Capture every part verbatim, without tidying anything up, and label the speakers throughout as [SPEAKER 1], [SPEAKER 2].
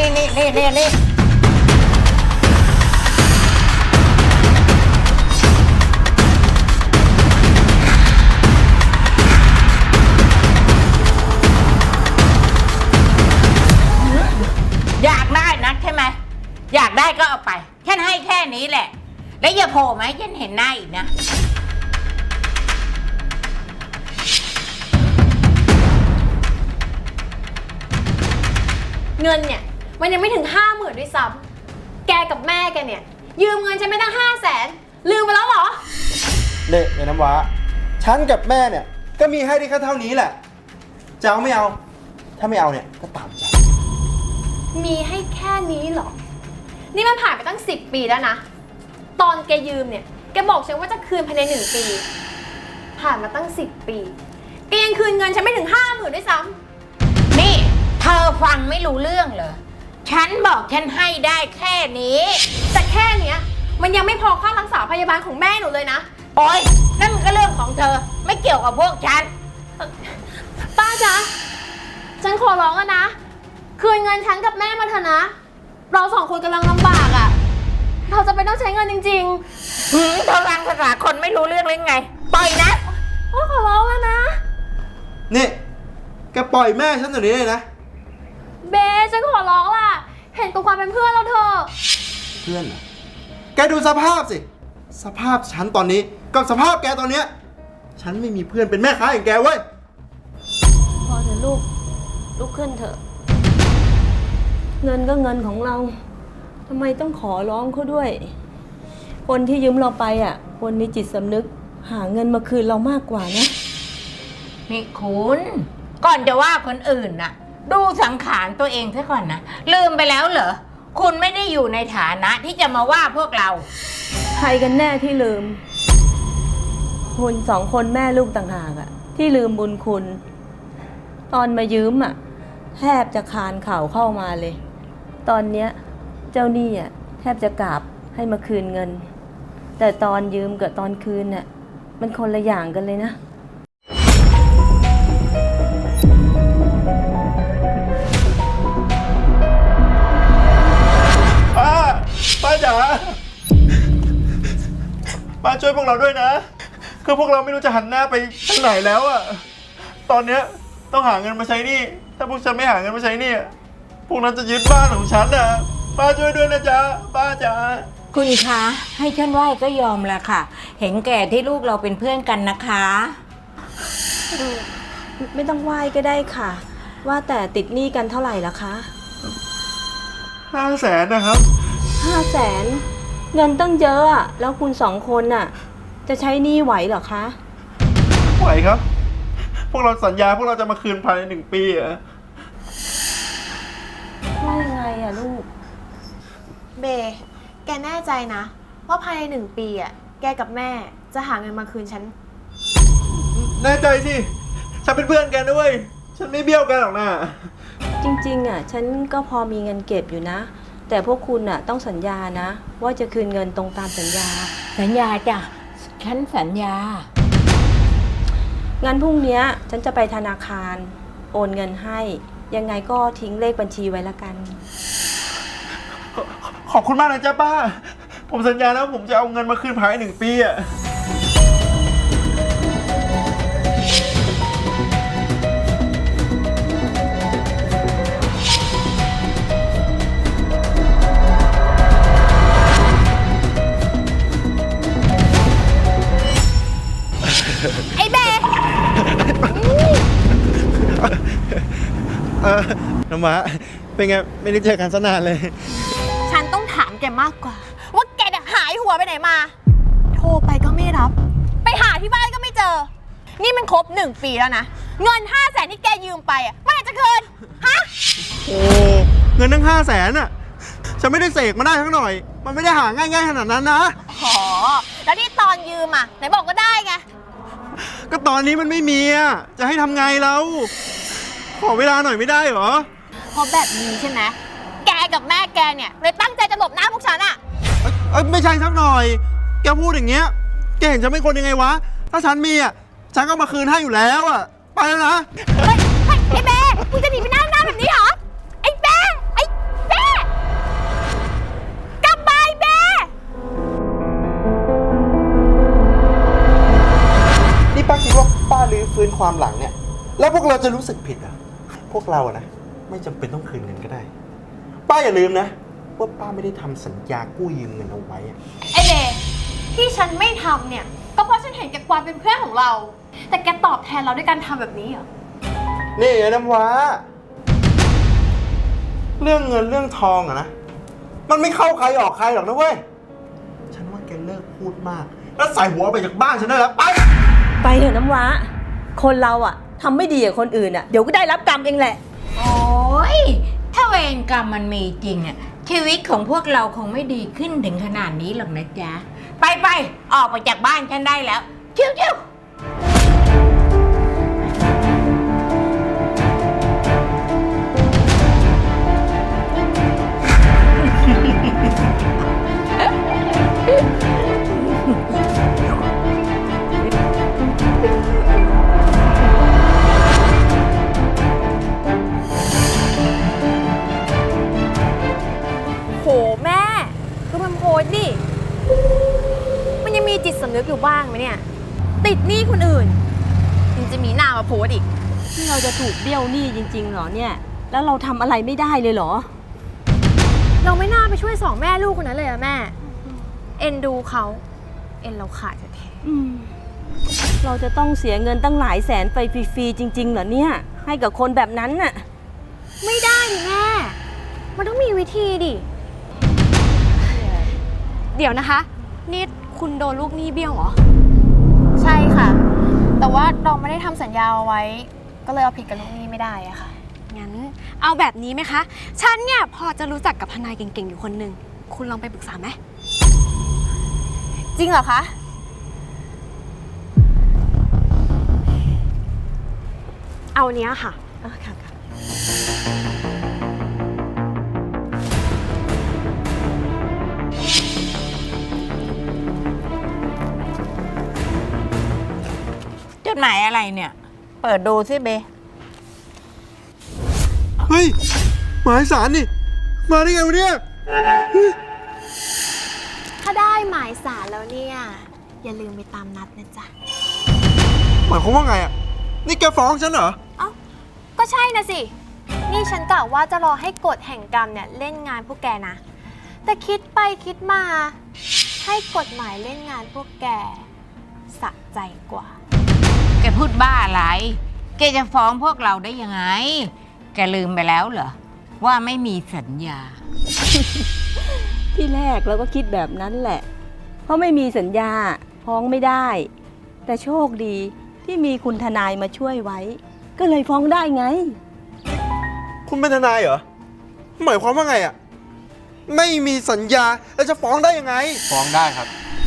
[SPEAKER 1] นี่นี่นี่นี่นี่อยากได้นักใช่ไหมอยากได้ก็เอาไปฉันให้แค่นี้แหละแล้วอย่าโผล่มาให้ฉันเห็นหน้าอีกนะ
[SPEAKER 2] เงินเนี่ยมันยังไม่ถึงห้าหมื่นด้วยซ้ำแกกับแม่แกเนี่ยยืมเงินฉันไม่ตั้งห้าแสนลืมไปแล้วเหรอ
[SPEAKER 3] เด็กเนี่ยน้ำว้าฉันกับแม่เนี่ยก็มีให้ได้แค่เท่านี้แหละจะเอาไม่เอาถ้าไม่เอาเนี่ยก็ตามใจ
[SPEAKER 2] มีให้แค่นี้เหรอนี่มันผ่านไปตั้งสิบปีแล้วนะตอนแกยืมเนี่ยแกบอกฉันว่าจะคืนภายในหนึ่งปีผ่านมาตั้งสิบปีแกยังคืนเงินฉันไม่ถึงห้าหมื่นด้วยซ้ำ
[SPEAKER 1] นี่เธอฟังไม่รู้เรื่องเหรอฉันบอกฉันให้ได้แค่นี้
[SPEAKER 2] แต่แค่เนี้ยมันยังไม่พอค่ารักษาพยาบาลของแม่หนูเลยนะ
[SPEAKER 1] โอ๊ยนั่นมันก็เรื่องของเธอไม่เกี่ยวกับพวกฉัน
[SPEAKER 2] ป้าจ๊ะฉันขอร้องอะนะคืนเงินฉันกับแม่มาเถอะนะเราสองคนกำลังลำบากอะเราจะไปต้องใช้เงินจริง
[SPEAKER 1] ๆหืมเธอฟังภาษาคนไม่รู้เรื่องเลยไงปล่อยนะ
[SPEAKER 2] โอ้ขอร้องแล้วนะ
[SPEAKER 3] นี่แกปล่อยแม่ฉันอย่างนี้เลยนะ
[SPEAKER 2] เบสฉันขอร้องล่ะเห็นตัวความเป็นเพื่อนเราเถอะ
[SPEAKER 3] เพื่อนเหรอแกดูสภาพสิสภาพฉันตอนนี้กับสภาพแกตอนเนี้ยฉันไม่มีเพื่อนเป็นแม่ค้าอย่างแกเว้ย
[SPEAKER 4] พอเถอะลูกลุกขึ้นเถอะเงินก็เงินของเราทำไมต้องขอร้องเขาด้วยคนที่ยืมเราไปอ่ะคนมีจิตสำนึกหาเงินมาคืนเรามากกว่านะ
[SPEAKER 1] นี่คุณก่อนจะว่าคนอื่นน่ะดูสังขารตัวเองซะก่อนนะลืมไปแล้วเหรอคุณไม่ได้อยู่ในฐานะที่จะมาว่าพวกเรา
[SPEAKER 4] ใครกันแน่ที่ลืมคุณสองคนแม่ลูกต่างหากอ่ะที่ลืมบุญคุณตอนมายืมอ่ะแทบจะคานเข่าเข้ามาเลยตอนเนี้ยเจ้าหนี้อ่ะแทบจะกราบให้มาคืนเงินแต่ตอนยืมกับตอนคืนน่ะมันคนละอย่างกันเลยนะ
[SPEAKER 3] ป้าป้าจ๋าป้าช่วยพวกเราด้วยนะคือพวกเราไม่รู้จะหันหน้าไปทางไหนแล้วอะตอนเนี้ยต้องหาเงินมาใช้หนี้ถ้าพวกฉันไม่หาเงินมาใช้หนี้พวกนั้นจะยึดบ้านของฉันนะป้าช่วยด้วยนะจ๊ะป้าจ๋า
[SPEAKER 1] คุณคะให้ฉันไหว้ก็ยอมละค่ะเห็นแก่ที่ลูกเราเป็นเพื่อนกันนะคะ
[SPEAKER 4] ไม่ต้องไหว้ก็ได้ค่ะว่าแต่ติดหนี้กันเท่าไหร่ละคะ
[SPEAKER 3] ห้าแสนนะครับ
[SPEAKER 4] ห้าแสนเงินตั้งเยอะอะแล้วคุณสองคนน่ะจะใช้หนี้ไหวเหรอคะ
[SPEAKER 3] ไหวครับพวกเราสัญญาพวกเราจะมาคืนภายในหนึ่งปีอะ
[SPEAKER 4] ว่ายังไงอะลูก
[SPEAKER 2] เบแกแน่ใจนะว่าภายในหนึ่งปีอะแกกับแม่จะหาเงินมาคืนฉัน
[SPEAKER 3] แน่ใจสิฉันเป็นเพื่อนกันด้วยฉันไม่เบี้ยวกันหรอกนะ
[SPEAKER 4] จริงๆอะฉันก็พอมีเงินเก็บอยู่นะแต่พวกคุณน่ะต้องสัญญานะว่าจะคืนเงินตรงตามสัญญา
[SPEAKER 1] สัญญาจ้ะฉันสัญญา
[SPEAKER 4] งั้นพรุ่งนี้ฉันจะไปธนาคารโอนเงินให้ยังไงก็ทิ้งเลขบัญชีไว้ละกัน
[SPEAKER 3] ขอบคุณมากนะจ๊ะป้าผมสัญญาแล้วผมจะเอาเงินมาคืนภายในหนึ่งปีอะ
[SPEAKER 2] ไอ้เบ
[SPEAKER 3] เออน้ำว้าเป็นไงไม่ได้เจอกันซะนานเลย
[SPEAKER 2] ฉันต้องถามแกมากกว่าว่าแกหายหัวไปไหนมาโทรไปก็ไม่รับไปหาที่บ้านก็ไม่เจอนี่มันครบหนึ่งปีแล้วนะเงินห้าแสนที่แกยืมไปอ่ะเมื่อไหร่จะคืนฮะ
[SPEAKER 3] โอ้เงินตั้งห้าแสนอ่ะฉันไม่ได้เสกมาได้ทั้งหน่อยมันไม่ได้หาง่ายๆขนาดนั้นนะ
[SPEAKER 2] อ๋อแล้วที่ตอนยืมอ่ะไหนบอกก็ได้ไง
[SPEAKER 3] ก็ตอนนี้มันไม่มีอ่ะจะให้ทำไงแล้วขอเวลาหน่อยไม่ได้เหรอ
[SPEAKER 2] เพราะแบบนี้ใช่ไหมแกกับแม่แกเนี่ยเลยตั้งใจจะหลบหน้าพวกฉันอ่ะ
[SPEAKER 3] เอ้ยไม่ใช่สักหน่อยแกพูดอย่างเงี้ยแกเห็นฉันเป็นคนยังไงวะถ้าฉันมีอ่ะฉันก็มาคืนให้อยู่แล้วอ่ะไปแล้วนะ
[SPEAKER 2] เฮ้ยไอ้เบ้คุณจะหนีไปหน้าหน้าแบบนี้เหรอไอ้เบ้ไอ้เบ้
[SPEAKER 3] ความหลังเนี่ย แล้วพวกเราจะรู้สึกผิดเหรอพวกเราอะนะไม่จำเป็นต้องคืนเงินก็ได้ ป้าอย่าลืมนะว่าป้าไม่ได้ทำสัญญากู้ยืมเงินเอาไว้อะ
[SPEAKER 2] ไอเดที่ฉันไม่ทำเนี่ย ก็เพราะฉันเห็นแกความเป็นเพื่อนของเรา แต่แกตอบแทนเราด้วยการทำแบบนี้เหรอ
[SPEAKER 3] นี่ไอ้น้ำว้า เรื่องเงินเรื่องทองอะนะ มันไม่เข้าใครออกใครหรอกนะเว้ย ฉันว่าแกเลิกพูดมาก แล้วใส่หัวไปจากบ้านฉันได้แล้วไป
[SPEAKER 4] ไปเถอะน้ำว้า คนเราอะทำไม่ดีกับคนอื่นอะเดี๋ยวก็ได้รับกรรมเองแหละ
[SPEAKER 1] โอ้ยถ้าเวรกรรมมันมีจริงอะชีวิตของพวกเราคงไม่ดีขึ้นถึงขนาดนี้หรอกนะจ๊ะ ไปไปๆออกไปจากบ้านฉันได้แล้วเที่ยวเที่ยว
[SPEAKER 2] โหแม่คือมันโพสต์ดิ มันยังมีจิตสำนึกอยู่บ้างไหมเนี่ย ติดหนี้คนอื่นยังจะมีหน้ามาโพสต์อีก
[SPEAKER 4] ที่เราจะถูกเบี้ยวหนี้จริงๆเหรอเนี่ย แล้วเราทำอะไรไม่ได้เลยเหรอ
[SPEAKER 2] เราไม่น่าไปช่วยสองแม่ลูกคนนั้นเลยอะแม่ เอ็นดูเขา เอ็นเราขาดแท้
[SPEAKER 4] อืมเราจะต้องเสียเงินตั้งหลายแสนไปฟรีๆจริงๆเหรอเนี่ย ให้กับคนแบบนั้นน่ะ
[SPEAKER 2] ๆไม่ได้ดิแม่ มันต้องมีวิธีดิ เดี๋ยวนะคะ นี่คุณโดนลูกหนี้เบี้ยวเหรอ ใช่ค่ะ แต่ว่าเราไม่ได้ทำสัญญาเอาไว้ ก็เลยเอาผิดกับลูกหนี้ไม่ได้อะค่ะ
[SPEAKER 5] งั้นเอาแบบนี้ไหมคะ ฉันเนี่ยพอจะรู้จักกับทนายเก่งๆอยู่คนหนึ่ง คุณลองไปปรึกษาไหม
[SPEAKER 2] จริงเหรอคะ
[SPEAKER 5] เอาเนี้ยค่ะ
[SPEAKER 4] อ่ะค่ะค่ะ
[SPEAKER 1] จดหมายอะไรเนี่ย เปิดดูสิเบ
[SPEAKER 3] เฮ้ย หมายสารนี่ มาได้ไงวะเนี่ย
[SPEAKER 2] ถ้าได้หมายสารแล้วเนี่ย อย่าลืมไปตามนัดนะจ๊ะ
[SPEAKER 3] หมายความว่าไงอ่ะ นี่แกฟ้องฉันเหรอ
[SPEAKER 2] เอ้า ก็ใช่นะสิ นี่ฉันกะว่าจะรอให้กฎแห่งกรรมเนี่ยเล่นงานพวกแกนะ แต่คิดไปคิดมา ให้กฎหมายเล่นงานพวกแกสะใจกว่า
[SPEAKER 1] แกพูดบ้าอะไร แกจะฟ้องพวกเราได้ยังไง แกลืมไปแล้วเหรอ ว่าไม่มีสัญญา
[SPEAKER 4] ที่แรกเราก็คิดแบบนั้นแหละ เพราะไม่มีสัญญาฟ้องไม่ได้ แต่โชคดีที่มีคุณทนายมาช่วยไว้ ก็เลยฟ้องได้ไง
[SPEAKER 3] คุณเป็นทนายเหรอ หมายความว่าไงอ่ะ ไม่มีสัญญา แล้วจะฟ้องได้ยังไง ฟ้องได้ครับ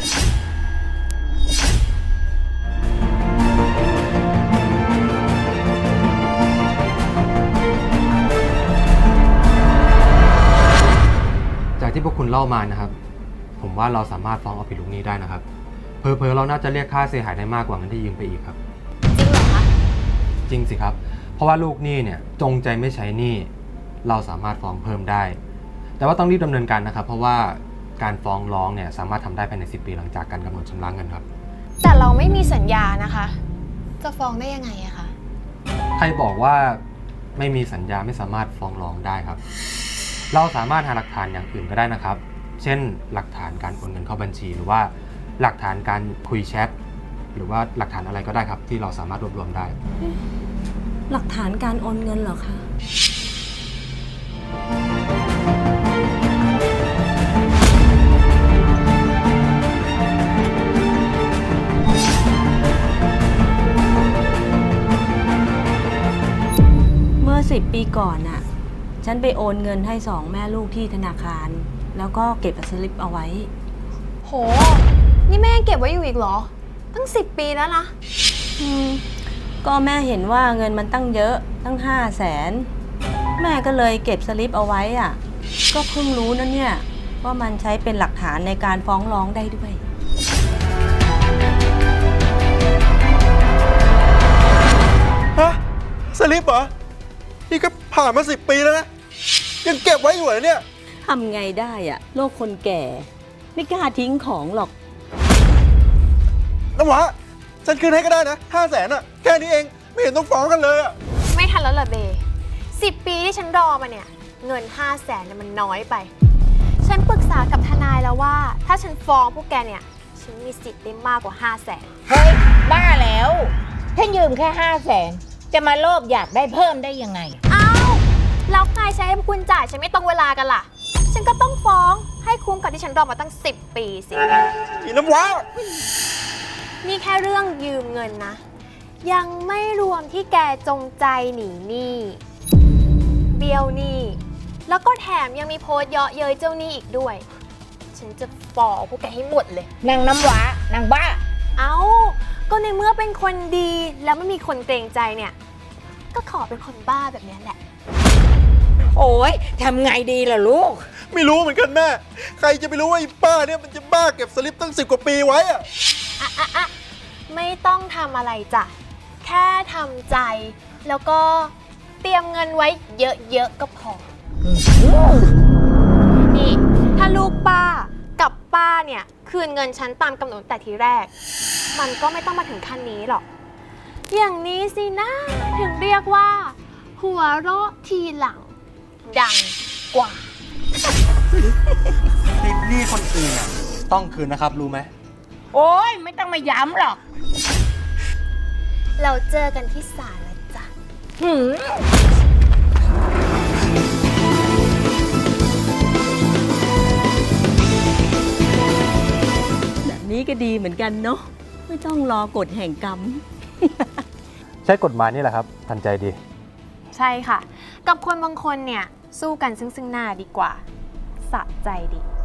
[SPEAKER 6] จากที่พวกคุณเล่ามานะครับ ผมว่าเราสามารถฟ้องเอาผิดลูกหนี้ได้นะครับเพอเพอๆเราน่าจะเรียกค่าเสียหายได้มากกว่าเงินที่ยืมไปอีกครับ
[SPEAKER 2] จริงเหรอคะ
[SPEAKER 6] จริงสิครับ เพราะว่าลูกหนี้เนี่ยจงใจไม่ใช้หนี้เราสามารถฟ้องเพิ่มได้ แต่ว่าต้องรีบดำเนินการนะครับ เพราะว่าการฟ้องร้องเนี่ยสามารถทำได้ภายในสิบปีหลังจากการกำหนดชำระเงินครับ
[SPEAKER 2] แต่เราไม่มีสัญญานะคะ จะฟ้องได้ยังไงอะคะ
[SPEAKER 6] ใครบอกว่าไม่มีสัญญาไม่สามารถฟ้องร้องได้ครับ เราสามารถหาหลักฐานอย่างอื่นก็ได้นะครับ เช่น หลักฐานการโอนเงินเข้าบัญชี หรือว่าหลักฐานการคุยแชทหรือว่าหลักฐานอะไรก็ได้ครับ ที่เราสามารถรวบรวมได้
[SPEAKER 4] หลักฐานการโอนเงินเหรอคะ เมื่อสิบปีก่อนน่ะ ฉันไปโอนเงินให้สองแม่ลูกที่ธนาคาร แล้วก็เก็บสลิปเอาไว้
[SPEAKER 2] โห นี่แม่ยังเก็บไว้อยู่อีกเหรอ ตั้งสิบปีแล้วนะ
[SPEAKER 4] อืมก็แม่เห็นว่าเงินมันตั้งเยอะตั้งห้าแสนแม่ก็เลยเก็บสลิปเอาไว้อ่ะ ก็เพิ่งรู้นะเนี่ย ว่ามันใช้เป็นหลักฐานในการฟ้องร้องได้ด้วย
[SPEAKER 3] ฮะ สลิปเหรอ นี่ก็ผ่านมาสิบปีแล้วนะ ยังเก็บไว้อยู่เหรอเนี่ย
[SPEAKER 4] ทำไงได้อะโลกคนแก่ ไม่กล้าทิ้งของหรอก
[SPEAKER 3] น้ำหวาฉันคืนให้ก็ได้นะห้าแสนอะแค่นี้เองไม่เห็นต้องฟ้องกันเลยอะ
[SPEAKER 2] ไม่ทันแล้วเหรอเบสิบปีที่ฉันรอมาเนี่ย เงินห้าแสนเนี่ยมันน้อยไป ฉันปรึกษากับทนายแล้วว่า ถ้าฉันฟ้องพวกแกเนี่ย ฉันมีสิทธิ์ได้มากกว่าห้าแสน
[SPEAKER 1] เฮ้ย บ้าแล้วฉันยืมแค่ห้าแสนจะมาโลภอยากได้เพิ่มได้ยังไง
[SPEAKER 2] อ้าวแล้วใครใช้ให้พวกคุณจ่ายฉันไม่ตรงเวลากันล่ะ ฉันก็ต้องฟ้องให้คุ้มกับที่ฉันรอมาตั้งสิบปีสิ
[SPEAKER 3] อีน้ำว้า
[SPEAKER 2] นี่แค่เรื่องยืมเงินนะ ยังไม่รวมที่แกจงใจหนีหนี้เบี้ยวหนี้แล้วก็แถมยังมีโพสต์เยาะเย้ยเจ้าหนี้อีกด้วย ฉันจะฟ้องพวกแกให้หมดเลย
[SPEAKER 1] นางน้ำว้านางบ้า
[SPEAKER 2] เอ้า ก็ในเมื่อเป็นคนดีแล้วไม่มีคนเกรงใจเนี่ย ก็ขอเป็นคนบ้าแบบนี้แหละ
[SPEAKER 1] โอ้ยทำไงดีล่ะลูก
[SPEAKER 3] ไม่รู้เหมือนกันแม่ ใครจะไปรู้ว่าไอ้ป้าเนี่ยมันจะบ้าเก็บสลิปตั้งสิบกว่าปีไว้อะ
[SPEAKER 2] อะอะอะไม่ต้องทำอะไรจ้ะ แค่ทำใจ แล้วก็เตรียมเงินไว้เยอะๆก็พอ นี่ ถ้าลูกป้ากับป้าเนี่ย คืนเงินฉันตามกำหนดแต่ทีแรก มันก็ไม่ต้องมาถึงขั้นนี้หรอก อย่างนี้สินะ ถึงเรียกว่า หัวเราะทีหลัง ดังกว่า
[SPEAKER 6] ติดหนี้คนอื่นอ่ะต้องคืนนะครับรู้ไหม
[SPEAKER 1] โอ้ยไม่ต้องมาย้ำหรอก
[SPEAKER 2] เราเจอกันที่ศาลแล้วจ้ะ
[SPEAKER 1] หืม
[SPEAKER 4] แบบนี้ก็ดีเหมือนกันเนาะไม่ต้องรอกฎแห่งกรรม
[SPEAKER 6] ใช้กฎหมายนี่แหละครับ ทันใจดี
[SPEAKER 2] ใช่ค่ะ กับคนบางคนเนี่ย สู้กันซึ่งซึ่งหน้าดีกว่า สะใจดี